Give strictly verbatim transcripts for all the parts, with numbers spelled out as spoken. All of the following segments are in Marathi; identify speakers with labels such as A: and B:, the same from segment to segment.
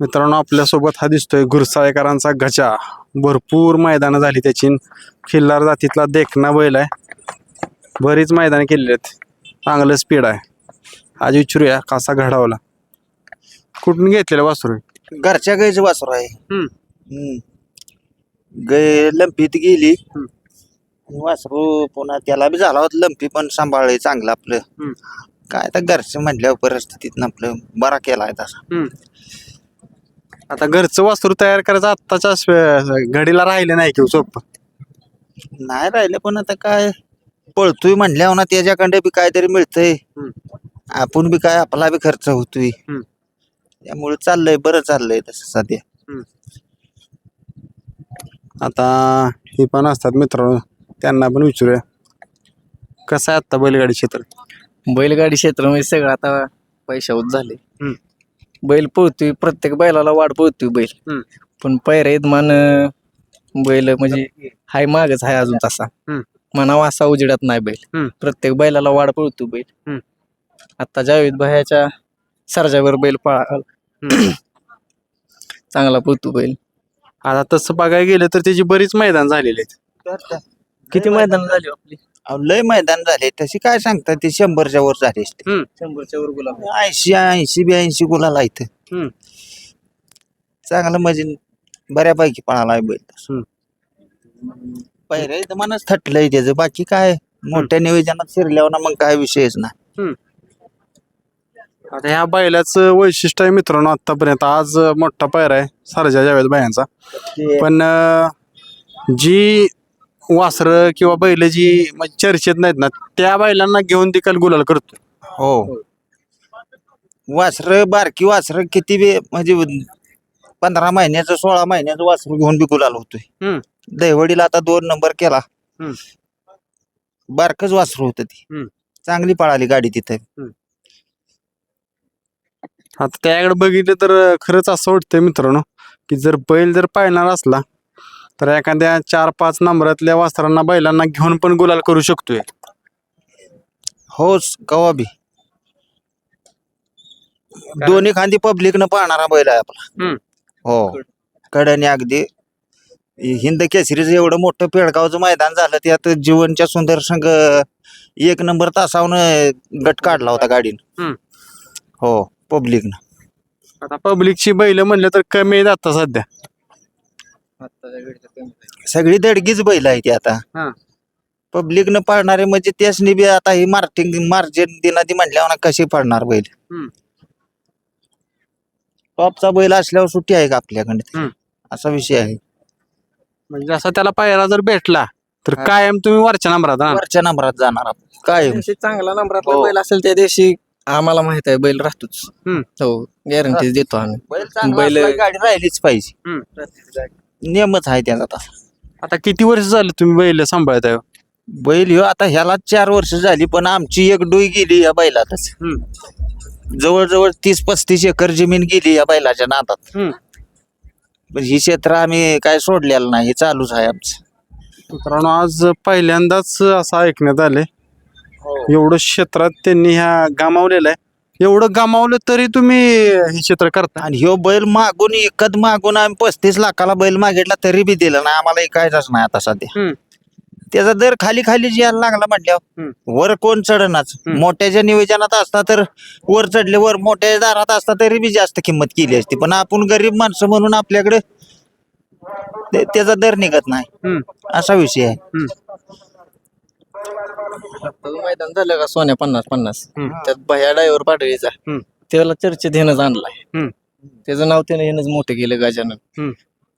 A: मित्रांनो आपल्यासोबत हा दिसतोय गुरसाळेकरांचा गजा. भरपूर मैदानं झाली त्याची. खिल्लार जातीतला देखना बैल आहे. बरीच मैदानं केलेली आहेत. चांगलं स्पीड आहे. आज विचारूया कसा घडावला. कुठून घेतलेला वासरू?
B: घरच्या गाईचं वासरू आहे.
A: हम्म.
B: हम्म. गाय लंपीत गेली वासरू, पुन्हा त्याला बी झाला होता लंपी, पण सांभाळलंय चांगलं आपलं.
A: हम्म.
B: काय तर घरचं म्हटल्यावर परिस्थितीत आपलं बरा केलाय तसा.
A: हम्म. आता घरचं वासरू तयार करायचं आत्ताच्या स्व- घडीला राहिलं नाही की सोपं.
B: नाही राहिलं, पण आता काय पळतोय म्हणल्यावर ना त्याच्याकडे बी काहीतरी मिळतंय.
A: हम्म.
B: आपण बी काय आपला बी खर्च होतोय.
A: हम्म.
B: त्यामुळे चाललंय, बरं चाललंय तसं सध्या.
A: आता हे पण असतात मित्रांनो, त्यांना पण विचारूया कसं आहे आता बैलगाडी क्षेत्र.
C: बैलगाडी क्षेत्रामध्ये सगळं आता पैशावर झाले.
A: हम्म.
C: बैल पळतोय, प्रत्येक बैलाला वाढ पळतोय बैल.
A: हम्म.
C: पण पैरा मान बैल म्हणजे हाय मागच हाय अजून तसा.
A: हम्म.
C: मनावा असा उजेडात नाही बैल.
A: हम्म.
C: प्रत्येक बैलाला वाढ पळतोय बैल.
A: हम्म.
C: आता जावेद भायाच्या सरजावर बैल पळा चांगला पळतो बैल.
A: आता तसं बघायला गेलं तर त्याची बरीच मैदान झालेली आहेत.
C: किती मैदान झाली आपली?
B: अहो, लय मैदान झाले तशी काय सांगतात, ते शंभरच्या वर झाले असते.
A: हम्म.
C: शंभरच्या वर गुलाब.
B: ऐंशी ऐंशी ब्याऐंशी गुलाला इथं.
A: हम्म.
B: चांगलं म्हणजे बऱ्यापैकी पळाला आहे बैल.
A: हम्म.
B: पहिल्या इथं मनच थटलंय त्याचं, बाकी काय मोठ्या नियोजनात शिरल्यावर ना मग काय विषयच नाही.
A: आता ह्या बैलाचं वैशिष्ट्य आहे मित्रांनो, आतापर्यंत आज मोठा पायरा आहे सरजा जावेद बायांचा. पण अं, जी वासरं किंवा बैल जी म्हणजे चर्चेत नाहीत ना, त्या बैलांना घेऊन देखील गुलाल करतो.
B: हो, वासर बारकी वासर किती बी म्हणजे पंधरा महिन्याचं सोळा महिन्याचं वासर घेऊन बी गुलाल होतोय.
A: हम्म.
B: दहिवडीला आता दोन नंबर केला.
A: हम्म.
B: बारकच वासरू होत ती.
A: हम्म.
B: चांगली पळाली गाडी तिथे.
A: आता त्याकडे बघितलं तर खरंच असं वाटतंय मित्रांनो की जर बैल जर पाळणार असला तर एखाद्या चार पाच नंबरातल्या वासरांना बैलांना घेऊन पण गुलाल करू शकतोय.
B: होच कवा बी दोन्ही खांदी पब्लिक न पाहणारा बैल आहे आपला.
A: हम्म.
B: हो, कडनी अगदी हिंद केसरीचं एवढं मोठं पेडगावचं मैदान झालं, त्यात जीवनच्या सुंदर संघ एक नंबर तासावनं गट काढला होता गाडीनं.
A: हम्म.
B: हो, पब्लिकनं.
A: आता पब्लिकची बैल म्हणलं तर कमी आहेत आता सध्या.
B: सगळी दडगीच बैल आहे ती आता.
A: हा.
B: पब्लिकनं पाळणारे म्हणजे त्यासनी बी आता ही मार्टिंग मार्जिन दिनादी म्हटल्यावर कशी पाळणार बैल.
A: हम्म.
B: टॉपचा बैल असल्यावर सुट्टी आहे का आपल्याकडे,
A: हम्म.
B: असा विषय आहे.
A: म्हणजे असा त्याला पायरा जर भेटला तर
B: हा.
A: कायम तुम्ही वरच्या नंबरात हा?
B: वरच्या नंबरात जाणार आपण. काय
C: दिवशी चांगला नंबरातला
B: हो.
C: बैल असेल त्या दिवशी आम्हाला माहित आहे बैल राहतोच.
A: हम्म.
C: हो, गॅरंटी देतो आम्ही.
B: बैल चांगला
C: बैल-
B: असला की गाडी राहिलीच पाहिजे.
A: हम्म.
B: नियमच आहे त्याचा तसा.
A: आता किती वर्ष झाले तुम्ही बैल सांभाळत आहे?
B: बैल ह्यो आता ह्याला चार वर्ष झाली, पण आमची एक डोई गेली या बैलातच. जवळजवळ तीस पस्तीस एकर जमीन गेली या बैलाच्या नादात.
A: हम्म.
B: पण ही क्षेत्र आम्ही काय सोडलेलं नाही, हे चालूच आहे आमचं.
A: मित्रांनो आज पहिल्यांदाच असं ऐकण्यात आले एवढं क्षेत्रात त्यांनी ह्या गमावलेलं आहे. एवढं गमावलं तरी तुम्ही हे क्षेत्र करता.
B: आणि ह्यो बैल मागून एकद मागून आम्ही पस्तीस लाखाला बैल मागितला तरी बी दिलं नाही आम्हाला, ऐकायचाच नाही आता सध्या.
A: हम्म.
B: त्याचा दर खाली खाली यायला लागला म्हटल्यावर
A: हम्म.
B: वर कोण चढनाच.
A: हम्म.
B: मोठ्याच्या नियोजनात असता तर वर चढले, वर मोठ्या दारात असता तरी बी जास्त किंमत केली असती, पण आपण गरीब माणसं म्हणून आपल्याकडे ते- त्याचा दर निघत नाही,
A: हम्म.
B: असा विषय आहे.
A: हम्म.
C: आत्ताचं मैदान झालं का सोन्या पन्नास पन्नास,
A: हम्म.
C: त्यात भया डायव्हर पाडळीचा
A: हम्म.
C: त्याला चर्चेत हेनच आणलाय.
A: हम्म.
C: त्याचं नाव त्याने हेनच मोठं केलं गजानन.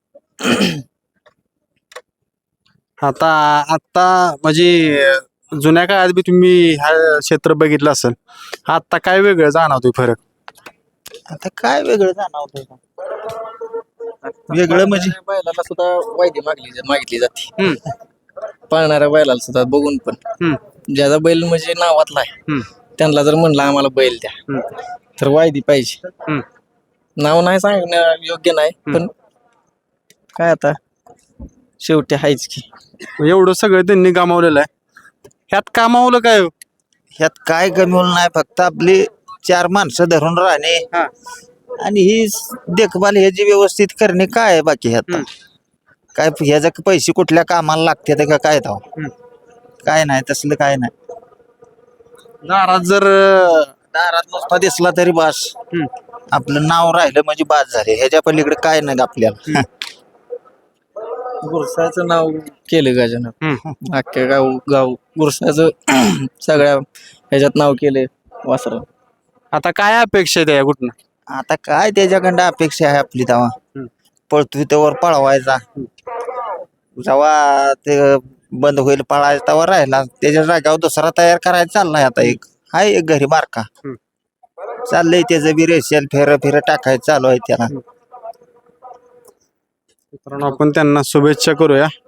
A: आता आता म्हणजे जुन्या काळात बी तुम्ही हा क्षेत्र बघितलं असेल, आता काय वेगळं जाणवतोय फरक?
B: आता काय वेगळं जाणवतंय का? वेगळं म्हणजे
C: बैलाला सुद्धा वायदी मागली मागितली जाते.
A: हम्म.
C: पळणाऱ्या बैलाला सुद्धा बघून पण
A: हम्म.
C: ज्याचा बैल म्हणजे नावातला आहे
A: हम्म.
C: त्यांना जर म्हणलं आम्हाला बैल द्या
A: हम्म.
C: तर वायदी पाहिजे.
A: हम्म.
C: नाव नाही सांगणं योग्य नाही, पण काय आता शेवटी आहेच की.
A: एवढं सगळं त्यांनी गमावलेलं आहे. ह्यात कामावलं काय हो?
B: ह्यात काय कमी होईल नाही, फक्त आपली चार माणसं धरून राहणे,
A: हा.
B: आणि ही स- देखभाल ह्याची व्यवस्थित करणे काय आहे बाकी आता काय ह्याचा पैसे कुठल्या कामाला लागते का काय धाव काय नाही तसलं काय नाही
A: दारात जर अं,
B: दारात नुसता दिसला तरी बास
A: हम्म.
B: आपलं नाव राहिलं म्हणजे बास झाले ह्याच्या पलीकडे काय नाही आपल्याला
C: गुरसाचं नाव केलं गजानं
A: हम्म.
C: अख्ख्या गाव गाव गुरसाचं सगळ्या ह्याच्यात नाव केले वासरा.
A: आता काय अपेक्षा आहे त्या कुठनं
B: आता काय त्याच्याकडं अपेक्षा आहे आपली तेव्हा
A: हम्म.
B: पळतोय त्यावर पळवायचा जेव्हा ते बंद होईल पळायचा तेव्हा राहिला त्याच्या जागेवर दुसरा तयार करायचा चाललाय आता एक हाय एक घरी मार्का
A: हम्म.
B: चाललंय त्याचं बी रेशेल फेर फेर टाकायचं चालू आहे त्याला
A: मित्रांनो आपण त्यांना शुभेच्छा करूया